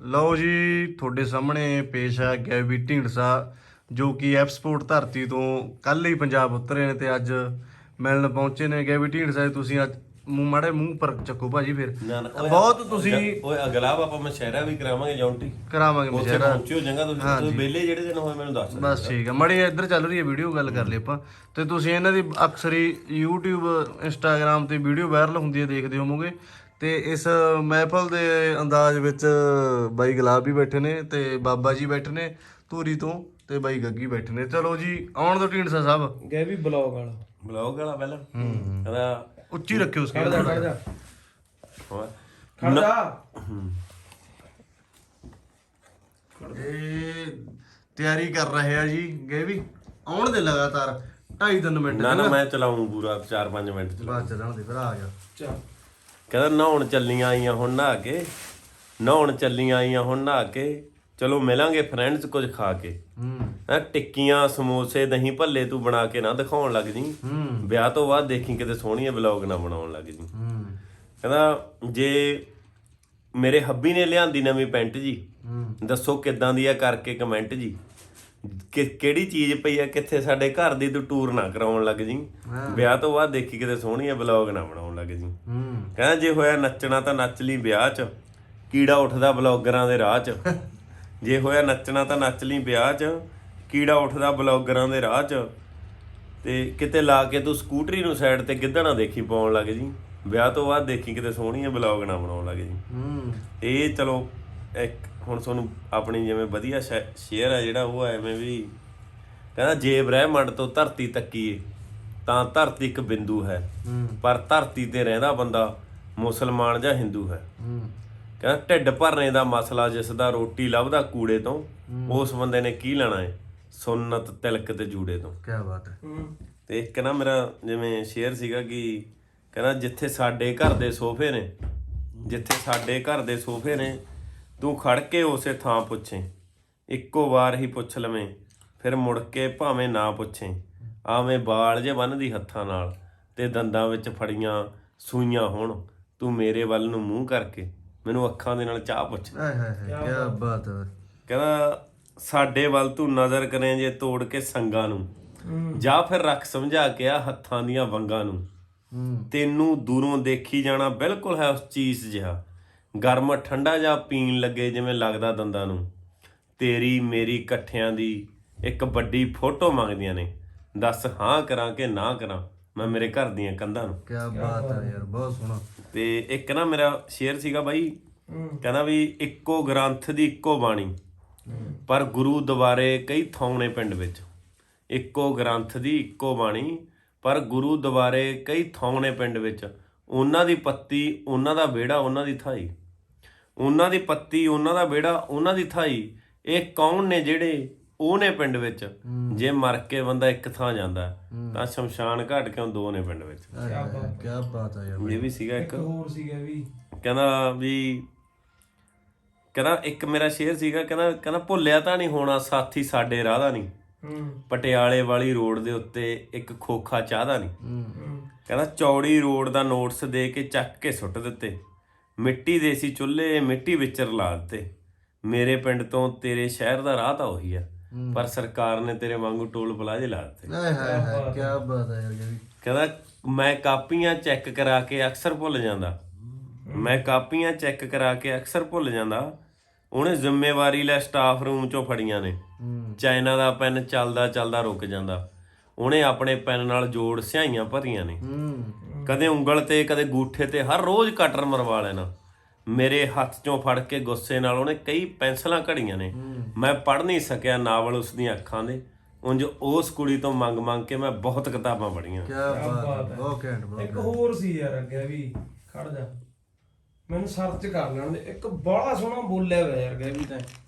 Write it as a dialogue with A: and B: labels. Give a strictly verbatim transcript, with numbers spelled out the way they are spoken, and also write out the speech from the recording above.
A: ਲਓ ਜੀ ਤੁਹਾਡੇ ਸਾਹਮਣੇ ਪੇਸ਼ ਹੈ ਗੈਵੀ ਢੀਂਡਸਾ ਜੋ ਕਿ ਐਫ ਸਪੋਰਟ ਧਰਤੀ ਤੋਂ ਕੱਲ ਹੀ ਪੰਜਾਬ ਉਤਰੇ ਨੇ ਤੇ ਅੱਜ ਮਿਲਣ ਪਹੁੰਚੇ ਨੇ। ਗੈਵੀ ਢੀਂਡਸਾ ਤੁਸੀਂ ਅੱਜ ਮੂੰਹ ਮਾੜੇ ਮੂੰਹ ਪਰ ਚੱਕੋ ਭਾਜੀ। ਫਿਰ ਬਹੁਤ ਤੁਸੀਂ
B: ਓਏ ਅਗਲਾ ਆਪਾਂ ਮਸ਼ਹਿਰਾ ਵੀ ਕਰਾਵਾਂਗੇ ਜੌਂਟੀ
A: ਕਰਾਵਾਂਗੇ ਮਸ਼ਹਿਰਾ
B: ਪਹੁੰਚਿਓ ਜੰਗਾ ਤੁਸੀਂ ਤੁਸੀਂ ਵਿਹਲੇ ਜਿਹੜੇ ਦਿਨ ਹੋਏ ਮੈਨੂੰ ਦੱਸ
A: ਬਸ ਠੀਕ ਹੈ। ਮੜੀ ਇੱਧਰ ਚੱਲ ਰਹੀ ਹੈ ਵੀਡੀਓ ਗੱਲ ਕਰ ਲਈ ਆਪਾਂ ਤੇ ਤੁਸੀਂ ਇਹਨਾਂ ਦੀ ਅਕਸਰ ਹੀ YouTube Instagram ਤੇ ਵੀਡੀਓ ਵਾਇਰਲ ਹੁੰਦੀ ਹੈ ਦੇਖਦੇ ਹੋਵੋਗੇ। ਤੇ ਇਸ ਮਹਿਫਲ ਦੇ ਅੰਦਾਜ਼ ਵਿੱਚ ਬਾਈ ਗੁਲਾਬ ਵੀ ਬੈਠੇ ਨੇ ਤੇ ਬਾਬਾ ਜੀ ਬੈਠੇ ਨੇ ਧੂਰੀ ਤੋਂ ਤੇ ਬਾਈ ਗੱਗੀ ਬੈਠੇ ਨੇ। ਚਲੋ ਜੀ ਆਉਣ ਦੋ ਢੀਂਡਸਾ ਸਾਹਿਬ।
C: ਗਏ ਵੀ ਬਲੌਗ ਵਾਲਾ
B: ਬਲੌਗ ਵਾਲਾ ਪਹਿਲਾਂ ਕਹਿੰਦਾ
A: ਉੱਚੀ ਰੱਖਿਓ
C: ਖੜ ਜਾ ਖੜ ਜਾ
B: ਹੋਰ
C: ਖੜ ਜਾ।
A: ਇਹ ਤਿਆਰੀ ਕਰ ਰਹੇ ਆ ਜੀ ਗਏ ਵੀ ਆਉਣ ਦੇ ਲਗਾਤਾਰ ਢਾਈ ਤਿੰਨ ਮਿੰਟ
B: ਨਾ ਨਾ ਮੈਂ ਚਲਾਉਂ ਪੂਰਾ ਚਾਰ ਪੰਜ ਮਿੰਟ ਚਲਾ
A: ਬਾਅਦ ਚੱਲਣ ਦੇ ਫਿਰ ਆ ਗਿਆ।
C: ਚੱਲ
B: ਕਹਿੰਦਾ ਨਹਾਉਣ ਚੱਲੀਆਂ ਆਈਆਂ ਹੁਣ ਨਹਾ ਕੇ ਨਹਾਉਣ ਚੱਲੀਆਂ ਆਈਆਂ ਹੁਣ ਨਹਾ ਕੇ ਚਲੋ ਮਿਲਾਂਗੇ ਫਰੈਂਡਸ ਕੁਝ ਖਾ ਕੇ।
A: ਹੂੰ
B: ਹੈ ਟਿੱਕੀਆਂ ਸਮੋਸੇ ਦਹੀਂ ਭੱਲੇ ਤੂੰ ਬਣਾ ਕੇ ਨਾ ਦਿਖਾਉਣ ਲੱਗ ਜੀ।
A: ਹੂੰ
B: ਵਿਆਹ ਤੋਂ ਬਾਅਦ ਦੇਖੀ ਕਿਤੇ ਸੋਹਣੀਆਂ ਵਲੌਗ ਨਾ ਬਣਾਉਣ ਲੱਗ ਜੀ।
A: ਹੂੰ
B: ਕਹਿੰਦਾ ਜੇ ਮੇਰੇ ਹੱਬੀ ਨੇ ਲਿਆਂਦੀ ਨਵੀਂ ਪੈਂਟ ਜੀ ਦੱਸੋ ਕਿੱਦਾਂ ਦੀ ਆ ਕਰਕੇ ਕਮੈਂਟ ਜੀ। ਕਿ ਕਿਹੜੀ ਚੀਜ਼ ਪਈ ਆ ਕਿੱਥੇ ਸਾਡੇ ਘਰ ਦੀ ਤੂੰ ਟੂਰ ਨਾ ਕਰਾਉਣ ਲੱਗ ਜੀ। ਵਿਆਹ ਤੋਂ ਬਾਅਦ ਦੇਖੀ ਕਿਤੇ ਸੋਹਣੀਆਂ ਵਲੌਗ ਨਾ ਬਣਾਉਣ ਲੱਗ ਜੀ।
A: ਹੂੰ
B: ਕਹਿੰਦਾ ਜੇ ਹੋਇਆ ਨੱਚਣਾ ਤਾਂ ਨੱਚ ਲਈ ਵਿਆਹ 'ਚ ਕੀੜਾ ਉੱਠਦਾ ਬਲੌਗਰਾਂ ਦੇ ਰਾਹ 'ਚ। ਜੇ ਹੋਇਆ ਨੱਚਣਾ ਤਾਂ ਨੱਚ ਲਈ ਵਿਆਹ 'ਚ ਕੀੜਾ ਉੱਠਦਾ ਬਲੌਗਰਾਂ ਦੇ ਰਾਹ 'ਚ। ਤੇ ਕਿਤੇ ਲਾ ਕੇ ਤੂੰ ਸਕੂਟਰੀ ਨੂੰ ਸਾਈਡ ਤੇ ਗਿੱਧਾ ਦੇਖੀ ਪਾਉਣ ਲੱਗ ਜੀ। ਵਿਆਹ ਤੋਂ ਬਾਅਦ ਦੇਖੀ ਕਿਤੇ ਸੋਹਣੀਆਂ ਬਲੌਗ ਨਾ ਬਣਾਉਣ ਲੱਗ ਜੀ।
A: ਹੂੰ
B: ਇਹ ਚਲੋ ਇੱਕ ਹੁਣ ਤੁਹਾਨੂੰ ਆਪਣੀ ਜਿਵੇਂ ਵਧੀਆ ਸ਼ੇਅਰ ਆ ਜਿਹੜਾ ਉਹ ਐਵੇਂ ਵੀ ਕਹਿੰਦਾ ਜੇ ਬ੍ਰਹਿਮੰਡ ਤੋਂ ਧਰਤੀ ਤੱਕੀਏ ਤਾਂ ਧਰਤੀ ਇੱਕ ਬਿੰਦੂ ਹੈ ਪਰ ਧਰਤੀ ਤੇ ਰਹਿੰਦਾ ਬੰਦਾ ਮੁਸਲਮਾਨ ਜਾਂ ਹਿੰਦੂ ਹੈ। ਕਹਿੰਦਾ ਢਿੱਡ ਭਰਨੇ ਦਾ ਮਸਲਾ ਜਿਸ ਦਾ ਰੋਟੀ ਲੱਭਦਾ ਕੂੜੇ ਤੋਂ ਉਸ ਬੰਦੇ ਨੇ ਕੀ ਲੈਣਾ ਹੈ ਸੁੰਨਤ ਤਿਲਕ ਤੇ ਜੂੜੇ ਤੋਂ।
A: ਕੀ ਬਾਤ ਹੈ।
B: ਤੇ ਇੱਕ ਨਾ ਮੇਰਾ ਜਿਵੇਂ ਸ਼ੇਅਰ ਸੀਗਾ ਕਿ ਕਹਿੰਦਾ ਜਿੱਥੇ ਸਾਡੇ ਘਰ ਦੇ ਸੋਫੇ ਨੇ ਜਿੱਥੇ ਸਾਡੇ ਘਰ ਦੇ ਸੋਫੇ ਨੇ ਤੂੰ ਖੜ ਕੇ ਉਸੇ ਥਾਂ ਪੁੱਛੇ ਇੱਕੋ ਵਾਰ ਹੀ ਪੁੱਛ ਲਵੇਂ ਫਿਰ ਮੁੜ ਕੇ ਭਾਵੇਂ ਨਾ ਪੁੱਛੇ ਆਵੇਂ ਬਾਲ ਜੇ ਬੰਨ੍ਹਦੀ ਹੱਥਾਂ ਨਾਲ ਤੇ ਦੰਦਾਂ ਵਿੱਚ ਫੜੀਆਂ ਸੂਈਆਂ ਹੋਣ ਤੂੰ ਮੇਰੇ ਵੱਲ ਨੂੰ ਮੂੰਹ ਕਰਕੇ ਮੈਨੂੰ ਅੱਖਾਂ ਦੇ ਨਾਲ ਚਾਹ ਪੁੱਛ।
A: ਹਾਏ ਹਾਏ ਹਾਏ ਕੀ ਬਾਤ ਹੈ।
B: ਕਹਿੰਦਾ ਸਾਡੇ ਵੱਲ ਤੂੰ ਨਜ਼ਰ ਕਰੇ ਜੇ ਤੋੜ ਕੇ ਸੰਗਾਂ ਨੂੰ ਜਾਂ ਫਿਰ ਰੱਖ ਸਮਝਾ ਕੇ ਆ ਹੱਥਾਂ ਦੀਆਂ ਵੰਗਾਂ ਨੂੰ। ਤੈਨੂੰ ਦੂਰੋਂ ਦੇਖੀ ਜਾਣਾ ਬਿਲਕੁਲ ਹੈ ਉਸ ਚੀਜ਼ ਜਿਹਾ ਗਰਮ ਠੰਡਾ ਜਾਂ ਪੀਣ ਲੱਗੇ ਜਿਵੇਂ ਲੱਗਦਾ ਦੰਦਾਂ ਨੂੰ। ਤੇਰੀ ਮੇਰੀ ਇਕੱਠਿਆਂ ਦੀ ਇੱਕ ਵੱਡੀ ਫੋਟੋ ਮੰਗਦੀਆਂ ਨੇ ਦੱਸ ਹਾਂ ਕਰਾਂ ਕਿ ਨਾ ਕਰਾਂ ਮੈਂ ਮੇਰੇ ਘਰ ਦੀਆਂ ਕੰਧਾਂ ਨੂੰ।
A: ਕੀ ਬਾਤ ਹੈ ਯਾਰ ਬਹੁਤ ਸੋਹਣਾ।
B: ਤੇ ਇੱਕ ਨਾ ਮੇਰਾ ਸ਼ੇਅਰ ਸੀਗਾ ਬਾਈ ਕਹਿੰਦਾ ਵੀ ਇੱਕੋ ਗ੍ਰੰਥ ਦੀ ਇੱਕੋ ਬਾਣੀ ਪਰ ਗੁਰੂ ਦੁਆਰੇ ਕਈ ਥਾਉਣੇ ਪਿੰਡ ਵਿੱਚ। ਇੱਕੋ ਗ੍ਰੰਥ ਦੀ ਇੱਕੋ ਬਾਣੀ ਪਰ ਗੁਰੂ ਦੁਆਰੇ ਕਈ ਥਾਉਣੇ ਪਿੰਡ ਵਿੱਚ। ਉਹਨਾਂ ਦੀ ਪੱਤੀ ਉਹਨਾਂ ਦਾ ਵਿਹੜਾ ਉਹਨਾਂ ਦੀ ਥਾਈ ਉਹਨਾਂ ਦੀ ਪੱਤੀ ਉਹਨਾਂ ਦਾ ਵਿਹੜਾ ਉਹਨਾਂ ਦੀ ਥਾਈ। ਇਹ ਕੌਣ ਨੇ ਜਿਹੜੇ ਉਹ ਨੇ ਪਿੰਡ ਵਿੱਚ ਜੇ ਮਰ ਕੇ ਬੰਦਾ ਇੱਕ ਥਾਂ ਜਾਂਦਾ ਤਾਂ ਸ਼ਮਸ਼ਾਨ ਘਾਟ ਕਿਉਂ ਦੋ ਨੇ ਪਿੰਡ ਵਿੱਚ।
A: ਕੀ ਬਾਤ ਹੈ ਯਾਰ।
B: ਇਹ ਵੀ ਸੀਗਾ ਇੱਕ
C: ਹੋਰ ਸੀਗਾ ਵੀ
B: ਕਹਿੰਦਾ ਵੀ ਕਹਿੰਦਾ ਇੱਕ ਮੇਰਾ ਸ਼ੇਅਰ ਸੀਗਾ ਕਹਿੰਦਾ ਕਹਿੰਦਾ ਭੁੱਲਿਆ ਤਾਂ ਨਹੀਂ ਹੋਣਾ ਸਾਥੀ ਸਾਡੇ ਰਾਹ ਦਾ ਨਹੀਂ ਪਟਿਆਲੇ ਵਾਲੀ ਰੋਡ ਦੇ ਉੱਤੇ ਇੱਕ ਖੋਖਾ ਚਾਹ ਦਾ ਨਹੀਂ। ਕਹਿੰਦਾ ਚੌੜੀ ਰੋਡ ਦਾ ਨੋਟਸ ਦੇ ਕੇ ਚੱਕ ਕੇ ਸੁੱਟ ਦਿੱਤੇ ਮਿੱਟੀ ਦੇ ਸੀ ਚੁੱਲ੍ਹੇ ਮਿੱਟੀ ਵਿੱਚ ਰਲਾ ਦਿੱਤੇ। ਮੇਰੇ ਪਿੰਡ ਤੋਂ ਤੇਰੇ ਸ਼ਹਿਰ ਦਾ ਰਾਹ ਤਾਂ ਉਹੀ ਆ ਪਰ ਸਰਕਾਰ ਨੇ ਤੇਰੇ ਵਾਂਗੂ ਟੋਲ ਪਲਾਜ਼ੇ ਲਾ ਦਿੱਤੇ।
A: ਹਾਏ ਹਾਏ ਹਾਏ ਕੀ ਬਾਤ ਹੈ ਯਾਰ।
B: ਕਹਿੰਦਾ ਮੈਂ ਕਾਪੀਆਂ ਚੈੱਕ ਕਰਾ ਕੇ ਅਕਸਰ ਭੁੱਲ ਜਾਂਦਾ ਮੈਂ ਕਾਪੀਆਂ ਚੈੱਕ ਕਰਾ ਕੇ ਅਕਸਰ ਭੁੱਲ ਜਾਂਦਾ। ਉਹਨੇ ਜ਼ਿੰਮੇਵਾਰੀ ਲੈ ਸਟਾਫ ਰੂਮ ਚੋਂ ਫੜੀਆਂ ਨੇ ਚਾਈਨਾ ਦਾ ਪੈਨ ਚੱਲਦਾ ਚੱਲਦਾ ਰੁਕ ਜਾਂਦਾ। ਉਹਨੇ ਆਪਣੇ ਪੈਨ ਨਾਲ ਜੋੜ ਸਿਆਹੀਆਂ ਭਰੀਆਂ ਨੇ ਕਦੇ ਉਂਗਲ ਤੇ ਕਦੇ ਗੂਠੇ ਤੇ ਹਰ ਰੋਜ਼ ਕਟਰ ਮਰਵਾ ਲੈਣਾ। ਮੇਰੇ ਹੱਥ ਚੋਂ ਫੜ ਕੇ ਗੁੱਸੇ ਨਾਲ ਉਹਨੇ ਕਈ ਪੈਨਸਲਾਂ ਘੜੀਆਂ ਨੇ। ਮੈਂ ਪੜ੍ਹ ਨਹੀਂ ਸਕਿਆ ਨਾਵਲ ਉਸ ਦੀਆਂ ਅੱਖਾਂ ਦੇ ਉਂਝ ਉਸ ਕੁੜੀ ਤੋਂ ਮੰਗ ਮੰਗ ਕੇ ਮੈਂ ਬਹੁਤ ਕਿਤਾਬਾਂ ਪੜ੍ਹੀਆਂ।
A: ਕੀ ਬਾਤ ਹੈ ਬਹੁਤ ਘੈਂਟ ਬਹੁਤ।
C: ਇੱਕ ਹੋਰ ਸੀ ਯਾਰ ਅੱਗੇ ਵੀ ਖੜ ਜਾ ਮੈਨੂੰ ਸਰਚ ਕਰ ਲੈਣ ਦੇ ਇੱਕ ਬੜਾ ਸੋਹਣਾ ਬੋਲਿਆ ਹੋਇਆ ਯਾਰ ਗਏ ਵੀ ਤਾਂ